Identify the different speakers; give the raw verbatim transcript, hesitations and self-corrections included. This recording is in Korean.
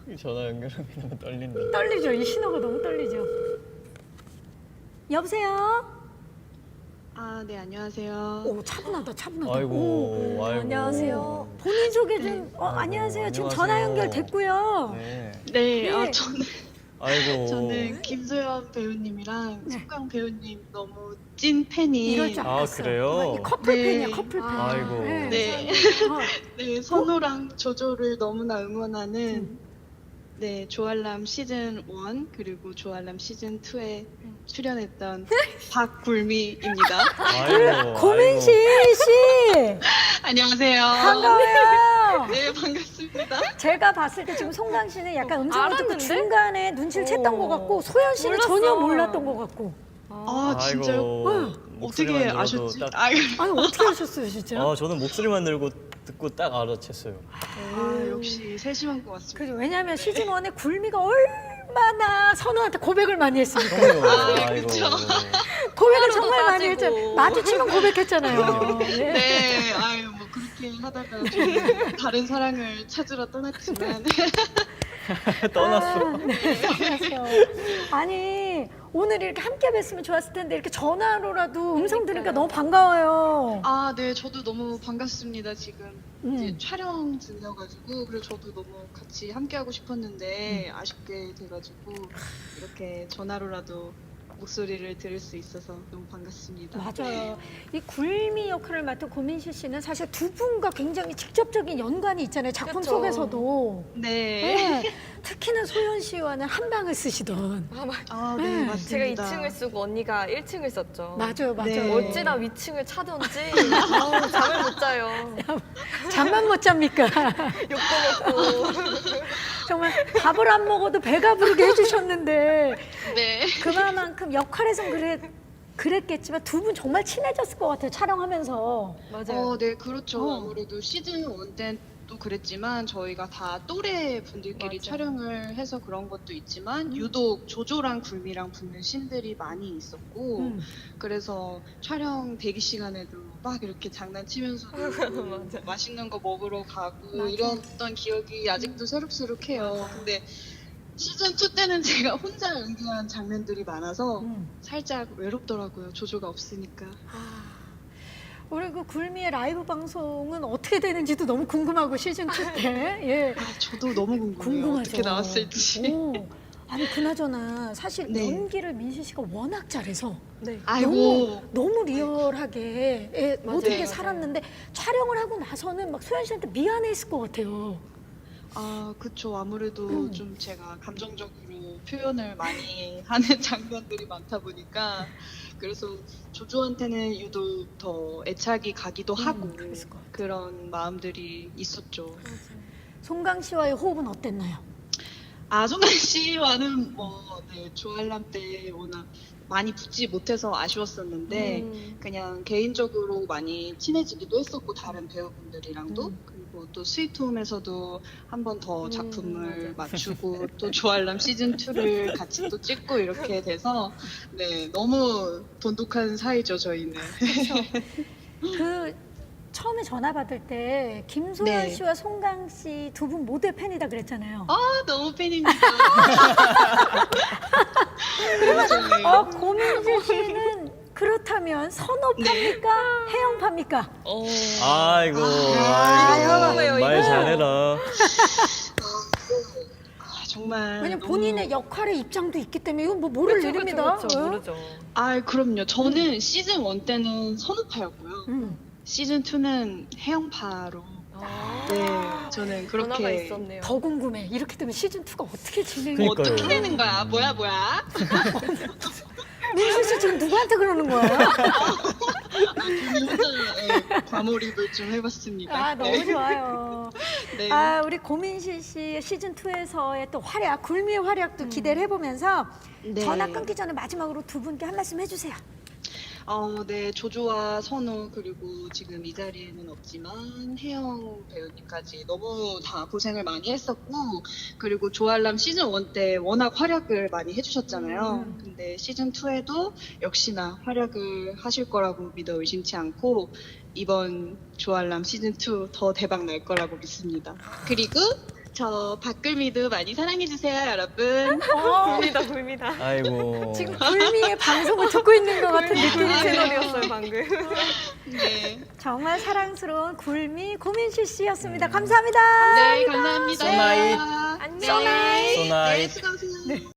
Speaker 1: 전화 연결하기 너무 떨린다.
Speaker 2: 떨리죠. 이 신호가 너무 떨리죠. 여보세요?
Speaker 3: 아, 네, 안녕하세요.
Speaker 2: 오, 차분하다, 차분하다.
Speaker 1: 아이고,
Speaker 2: 오,
Speaker 1: 아이고.
Speaker 2: 안녕하세요. 본인 소개 좀. 어,
Speaker 1: 아이고,
Speaker 2: 안녕하세요. 지금
Speaker 1: 안녕하세요.
Speaker 2: 전화 연결됐고요.
Speaker 1: 네.
Speaker 3: 네,
Speaker 2: 네.
Speaker 3: 아, 저는,
Speaker 1: 아이고.
Speaker 3: 저는 김소연 배우님이랑
Speaker 2: 네.
Speaker 3: 숙강 배우님 너무 찐 팬이.
Speaker 2: 이럴 줄
Speaker 1: 아,
Speaker 2: 알았어.
Speaker 1: 그래요?
Speaker 2: 어, 이 커플팬이야,
Speaker 3: 네.
Speaker 2: 커플팬.
Speaker 1: 아이고.
Speaker 3: 네.
Speaker 2: 어,
Speaker 3: 네, 선호랑 조조를 너무나 응원하는
Speaker 2: 음.
Speaker 3: 네, 조알람 시즌 일 그리고 조알람 시즌 이에 출연했던 박굴미입니다.
Speaker 1: 아이고.
Speaker 2: 고민씨 씨
Speaker 3: 안녕하세요.
Speaker 2: 반가워요.
Speaker 3: 네, 반갑습니다.
Speaker 2: 제가 봤을 때 지금 송강 씨는 약간 음성을 듣고
Speaker 4: 알았는데?
Speaker 2: 중간에 눈치를 챘던
Speaker 4: 오.
Speaker 2: 것 같고 소연 씨는
Speaker 4: 몰랐어.
Speaker 2: 전혀 몰랐던 것 같고.
Speaker 3: 아, 진짜요?
Speaker 1: 아이고.
Speaker 3: 어떻게
Speaker 1: 목소리만 들어도
Speaker 3: 아셨지?
Speaker 1: 딱-
Speaker 3: 아,
Speaker 2: 아니 어떻게 하셨어요 진짜?
Speaker 1: 아, 저는 목소리만 들고 듣고 딱 알아챘어요.
Speaker 3: 아, 역시 세심한 것 같습니다.
Speaker 2: 그죠. 왜냐하면 시즌 일에 굴미가 얼마나 선우한테 고백을 많이 했습니까?
Speaker 1: 그럼요.
Speaker 3: 아,
Speaker 1: 아이고.
Speaker 3: 그쵸.
Speaker 2: 고백을
Speaker 4: 하루도
Speaker 2: 정말 많이
Speaker 4: 따지고.
Speaker 2: 했잖아요. 마주치면 고백했잖아요. 네.
Speaker 3: 네, 아유 뭐 그렇게 하다가 저는 다른 사랑을 찾으러 떠났지만
Speaker 1: 떠났어.
Speaker 2: 아, 네, 떠났어. 아니 오늘 이렇게 함께 뵀으면 좋았을 텐데 이렇게 전화로라도 음성 들으니까 너무 반가워요.
Speaker 3: 아, 네, 저도 너무 반갑습니다. 지금
Speaker 2: 음.
Speaker 3: 이제 촬영 중이어가지고 그래서 저도 너무 같이 함께 하고 싶었는데 아쉽게 돼가지고 이렇게 전화로라도 목소리를 들을 수 있어서 너무 반갑습니다.
Speaker 2: 맞아요. 이 굴미 역할을 맡은 고민실 씨는 사실 두 분과 굉장히 직접적인 연관이 있잖아요. 작품
Speaker 4: 그쵸.
Speaker 2: 속에서도.
Speaker 3: 네.
Speaker 2: 네. 특히나 소연 씨와는 한 방을 쓰시던.
Speaker 4: 아, 맞-
Speaker 3: 아,
Speaker 2: 네.
Speaker 3: 네,
Speaker 4: 제가
Speaker 3: 맞습니다.
Speaker 4: 이 층을 쓰고 언니가 일 층을 썼죠.
Speaker 2: 맞아요, 맞아요.
Speaker 3: 네.
Speaker 4: 어찌나 위층을 차던지 아우, 잠을 못 자요.
Speaker 2: 잠만 못 잡니까?
Speaker 4: 욕도 먹고.
Speaker 2: 정말 밥을 안 먹어도 배가 부르게 해주셨는데
Speaker 3: 네.
Speaker 2: 그만큼 역할에선 그래, 그랬겠지만 두 분 정말 친해졌을 것 같아요. 촬영하면서.
Speaker 4: 맞아요.
Speaker 3: 어, 네, 그렇죠.
Speaker 2: 어.
Speaker 3: 아무래도 시즌 일 때도 그랬지만 저희가 다 또래 분들끼리
Speaker 4: 맞아.
Speaker 3: 촬영을 해서 그런 것도 있지만 유독 조조랑 굴미랑 붙는 씬들이 많이 있었고
Speaker 2: 음.
Speaker 3: 그래서 촬영 대기 시간에도 막 이렇게 장난치면서
Speaker 4: 맞아.
Speaker 3: 맛있는 거 먹으러 가고
Speaker 2: 맞아.
Speaker 3: 이랬던 기억이 아직도 새록새록해요. 근데 시즌 이 때는 제가 혼자 연기한 장면들이 많아서
Speaker 2: 음.
Speaker 3: 살짝 외롭더라고요. 조조가 없으니까.
Speaker 2: 우리 그 굴미의 라이브 방송은 어떻게 되는지도 너무 궁금하고 시즌 이 때. 예.
Speaker 3: 아, 저도 너무 궁금해요.
Speaker 2: 궁금하죠.
Speaker 3: 어떻게 나왔을지.
Speaker 2: 오. 아니 그나저나 사실
Speaker 3: 네.
Speaker 2: 연기를 민시 씨가 워낙 잘해서
Speaker 4: 네.
Speaker 3: 아이고.
Speaker 2: 너무 너무 리얼하게 예,
Speaker 4: 맞아요,
Speaker 2: 모든 게
Speaker 4: 맞아요.
Speaker 2: 살았는데 촬영을 하고 나서는 막 소연 씨한테 미안했을 것 같아요.
Speaker 3: 아, 그쵸. 아무래도
Speaker 2: 음.
Speaker 3: 좀 제가 감정적으로 표현을 많이 하는 장면들이 많다 보니까 그래서 조조한테는 유독 더 애착이 가기도 하고
Speaker 2: 음, 그랬을 것 같아요.
Speaker 3: 그런 마음들이 있었죠.
Speaker 2: 송강 씨와의 호흡은 어땠나요?
Speaker 3: 아종란 씨와는 뭐 네, 조알람 때 워낙 많이 붙지 못해서 아쉬웠었는데
Speaker 4: 음.
Speaker 3: 그냥 개인적으로 많이 친해지기도 했었고 다른 배우분들이랑도
Speaker 2: 음.
Speaker 3: 그리고 또 스위트홈에서도 한 번 더
Speaker 4: 음,
Speaker 3: 작품을 맞추고 또 조알람 시즌 이를 같이 또 찍고 이렇게 돼서 네 너무 돈독한 사이죠 저희는.
Speaker 2: 그 처음에 전화 받을 때 김소연
Speaker 3: 네.
Speaker 2: 씨와 송강 씨 두 분 모두의 팬이다 그랬잖아요.
Speaker 3: 아 너무 팬입니다.
Speaker 2: 어, 고민실 씨는 그렇다면 선호파입니까? 해영파입니까?
Speaker 4: 어.
Speaker 1: 아이고.
Speaker 2: 아,
Speaker 1: 아이고.
Speaker 4: 이거.
Speaker 1: 말 잘해라.
Speaker 3: 아, 정말
Speaker 2: 왜냐면
Speaker 3: 너무-
Speaker 2: 본인의 역할의 입장도 있기 때문에 이건 뭐 모를
Speaker 4: 그쵸,
Speaker 2: 일입니다.
Speaker 4: 그쵸, 그쵸.
Speaker 2: 어?
Speaker 4: 모르죠.
Speaker 3: 아 그럼요. 저는 시즌 일 때는 선우파였고요.
Speaker 2: 음.
Speaker 3: 시즌 이는 해영파로.
Speaker 4: 아.
Speaker 3: 네, 저는
Speaker 4: 변화가
Speaker 3: 그렇게
Speaker 4: 있었네요.
Speaker 2: 더 궁금해. 이렇게 되면 시즌 이가 어떻게 진행이?
Speaker 1: 그러니까요.
Speaker 3: 어떻게 되는 거야? 뭐야 뭐야?
Speaker 2: 민수 씨 지금 누구한테 그러는 거예요?
Speaker 3: 혼자 과몰입을 좀 해봤습니다.
Speaker 2: 아 너무
Speaker 3: 네.
Speaker 2: 좋아요.
Speaker 3: 네.
Speaker 2: 아 우리 고민실 씨 시즌 이에서의 또 활약, 굴미의 활약도 기대를 해보면서
Speaker 3: 네.
Speaker 2: 전화 끊기 전에 마지막으로 두 분께 한 말씀 해주세요.
Speaker 3: 어, 네, 조조와 선우 그리고 지금 이 자리에는 없지만 혜영 배우님까지 너무 다 고생을 많이 했었고 그리고 조알람 시즌 일 때 워낙 활약을 많이 해주셨잖아요.
Speaker 2: 음.
Speaker 3: 근데 시즌 이에도 역시나 활약을 하실 거라고 믿어 의심치 않고 이번 조알람 시즌 이 더 대박 날 거라고 믿습니다. 그리고 저 박글미도 많이 사랑해주세요, 여러분.
Speaker 4: 굴미다, 굴미다.
Speaker 1: 아이고.
Speaker 2: 지금 불미의 방송을 듣고 있는 것 같은 느낌이
Speaker 4: 굴미
Speaker 2: 드네요.
Speaker 4: 채널이었어요, 방금.
Speaker 3: 네.
Speaker 2: 정말 사랑스러운 굴미 고민실 씨였습니다. 감사합니다.
Speaker 3: 네, 감사합니다.
Speaker 1: 소나잇.
Speaker 3: 네.
Speaker 4: 안녕.
Speaker 3: 네,
Speaker 1: 소나잇.
Speaker 3: 수고하세요.